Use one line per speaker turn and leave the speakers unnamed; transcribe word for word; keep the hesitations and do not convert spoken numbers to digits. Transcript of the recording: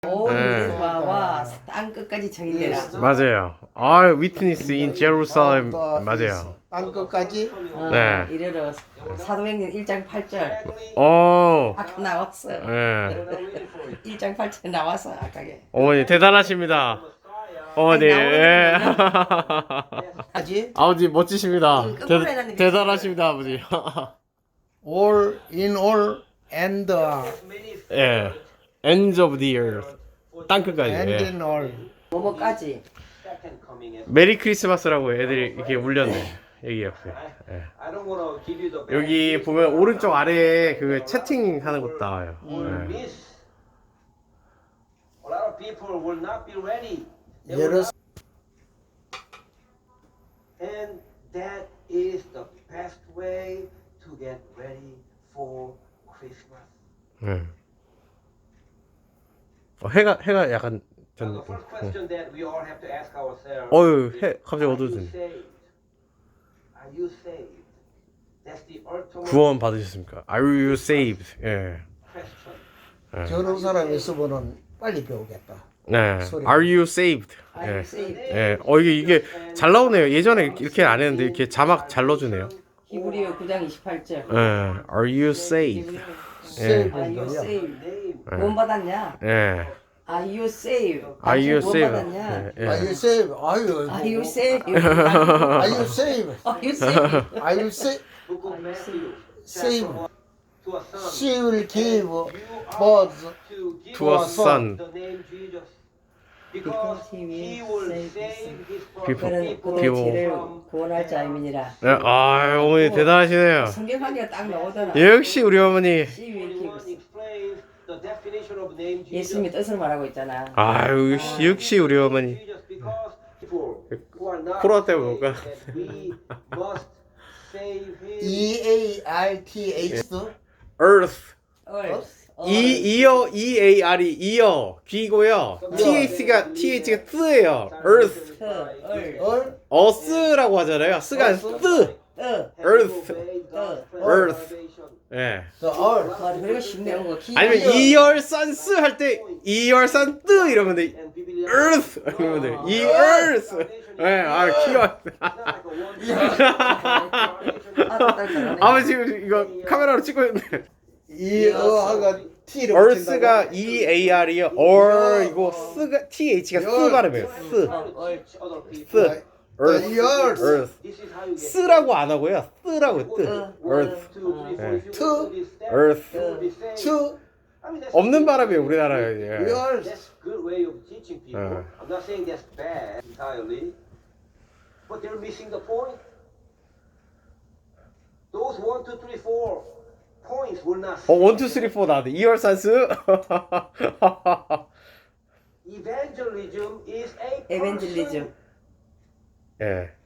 오,
네.
이제 와, 와, 땅 끝까지 정의되라.
맞아요. 아, 위트니스 인 제루살렘 맞아요.
땅 끝까지.
어,
네.
이래로 사도행전 일 장 팔 절
어,
아까 나왔어.
예.
일 장 팔 절 나왔어 아까게.
어머니 대단하십니다. 어머니,
아니,
예.
까지.
아버지 멋지십니다.
음, 거꾸로
대,
해놨는데
대단하십니다, 아버지.
all in all and uh,
예. Ends of the earth. 땅 끝까지.
and
예.
in all.
뭐뭐까지.
메리 크리스마스라고 애들이 이렇게 울렸네. 여기 옆에. 예. 여기 보면 오른쪽 아래에 그 채팅 하는 곳 나와요. 예.
예를
And that is the best way to get ready for Christmas.
예. 어, 해가 해가 약간 전.
Now, the first question that we all have to ask ourselves
어유
is,
해 갑자기
are you
어두워지네.
saved? Are you saved? That's the ultimate
구원 받으셨습니까? Are you saved? 예.
question.
저런 사람이 있으면은 빨리 배우겠다.
네. Are you saved?
아유,
예.
세이브.
예. 어 이게 이게 잘 나오네요. 예전에 이렇게 안 했는데 이렇게 자막 잘 넣어주네요.
히브리어 구 장 이십팔 절.
예. Are you saved?
세이브
Are you
거야.
saved? 구원 받았냐?
예.
Are you saved?
Are you
구원
saved?
받았냐?
예.
Are you
예.
saved? 아유.
Are you saved?
Are you saved?
Are you saved?
Are you saved?
Book of Matthew,
Saved.
chapter one, to a son.
She will give
You
birth
are to give
To a son.
the name Jesus.
Because
Because
he will
he will
save
save his
People.
그는
people
그들의
people.
죄를 구원할 자임이니라.
예. 아 어머니 대단하시네요.
성경하니까 딱 나오더라.
역시 우리 어머니.
She will give us.
explains the definition of name Jesus.
예수님의 뜻을 말하고 있잖아.
아유 역시, 역시 우리 어머니.
Jesus because people who are not
코로나 때문에 못
saved,
가.
that we must save him.
E A R T H.
Earth.
Earth.
이 이어 E A R이 이어 귀고요. T H가 T H가 뜨예요. Earth.
얼
어스라고 하잖아요. 스가 아니라 뜨.
어.
Earth.
어.
Earth. 예.
the 얼.
와, 그리고 쉽네 거.
아니면 이열산스 할 때 이열산 뜨 이러면 돼. Earth 이러면 돼. 이 Earth. 예. 아 귀여워. 아마 지금 이거 카메라로 찍고 있는데.
이 어가 T를
Earth가 E A R이요. Or 이거 스가 T H가 스 발음이에요. 스. 스. Earth.
Earth.
Earth. 스라고 안 하고요. 쓰라고 뜨. Earth.
To.
Earth.
to
없는 바람이에요 우리나라에. 예.
Earth.
That's good way of teaching people.
Uh.
I'm not saying that's bad entirely, but they're missing the point. Those one, two, three, four points will not.
어 원, 투, 쓰리, 포 나왔네. 이열산스.
Evangelism is a
에벤젤리즘.
예.